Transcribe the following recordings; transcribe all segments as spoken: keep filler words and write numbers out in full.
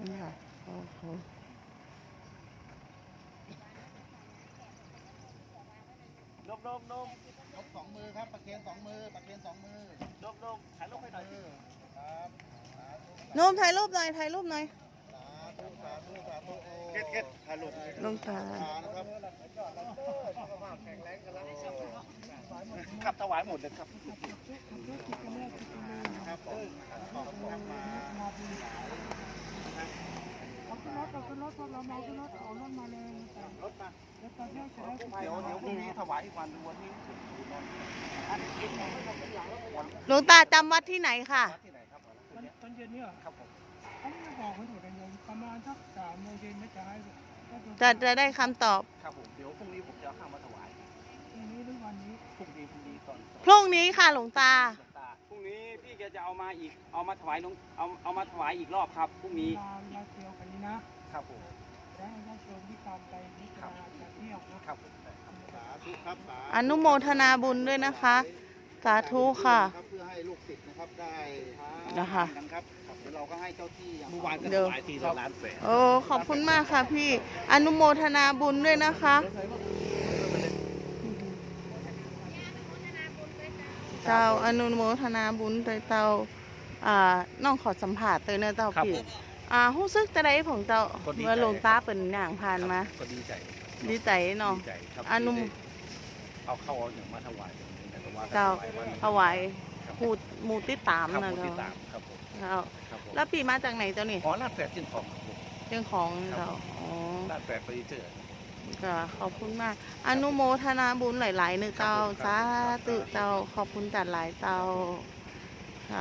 นี่ค่ะโอ้โหนมนมนมยกสองมือครับประเคนสองมือประเคนสองมือนมนมถ่ายรูปให้หน่อยสิครับโน้มถ่ายรูปหน่อยถ่ายรูปหน่อยสาธุสาธุสาธุโอ้เก็ดเก็ดถ่ายรูปหลวงตานะครับขับถวายหมดเลยครับครับผมขอบคุณครับมาเอาขึ้นรถเอาขึ้นรถพวกเราเมาขึ้นรถเอารถมาเลยรถมาแล้วตอนนี้จะได้เดี๋ยวเดี๋ยวพรุ่งนี้ถวายอีกวันวันนี้อันนี้กินของไม่หมดเป็นอย่างแล้ววันหลวงตาจำวัดที่ไหนค่ะที่ไหนครับตอนเย็นเนี่ยครับผมเขาไม่บอกให้ถูกกันโยมประมาณสักสามโมงเย็นไม่จะให้จะจะได้คำตอบครับผมเดี๋ยวพรุ่งนี้ผมจะเอาข้าวมาถวายทีนี้หรือวันนี้พรุ่งนี้พรุ่งนี้ตอนพรุ่งนี้ค่ะหลวงตาพรุ่งนี้พี่แกจะเอามาอีกเอามาถวายน้องเอาเอามาถวายอีกรอบครับพรุ่งเวนี้ลาเวลาเที่ยวกันนี้นะครับผมแล้วให้ญาติโยมที่ตามไปนิจาจะเที่ยวนะครับผมสาธุครับสาธุอนุโมทนาบุญด้วยนะคะ สาธุค่ะเพื่อให้ลูกศิษย์นะครับได้นะคะกันครับเดี๋ยวเราก็ให้เจ้าที่อย่างเมื่อวานก็เดี๋ถยววายทีละล้านแสนโอ้ขอบคุณมากค่ะพี่ อนุโมทนาบุญด้วยนะคะเจ้าอนุโมทนาบุญโดยเจ้าอ่าน้องขอสัมผัสเตยเนอเจ้าครับพี่ผมอ่ารู้สึกจะได้ของเจ้าก็ดีใจเมื่อหลวงตาเป็นอย่างผ่านมาก็ดีใจดีใจเนาะดีใจครับอนุที่ได้เอาเข้าเอาอย่างมาถวายแต่ก็ว่ากันเจ้าถวายวันถวายหมูหมูติดตามครับนะผมเจ้าติดตามครับผมเจ้าครับผมแล้วปีมาจากไหนเจ้านี่อ๋อลาดแฝดจิ้นของครับผมเรื่องของเจ้าอ๋อลาดแฝดเฟอร์นิเจอร์ก็ขอบคุณมาก อนุโมทนาบุญหลายๆหนึ่งเจ้าครับผมสาธุเจ้าขอบคุณจัดหลายเจ้าค่ะ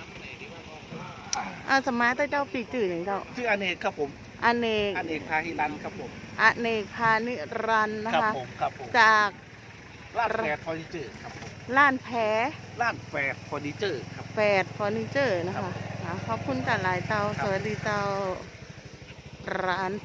อาสมาร์ตเจ้าปีจื่ออย่างเจ้าชื่ออเนกครับผมอเนกอเนกพาหิรันครับผมอเนกพานิรันดร์นะครัคะผมครับผมจากลาดแฝดเฟอร์นิเจอร์ครับผมล้านแผลลาดแฝดเฟอร์นิเจอร์ครับแฟดเฟอร์นิเจอร์นะคะอ่าขอบคุณจัดหลายเจ้า สวัสดีเจ้าร้าน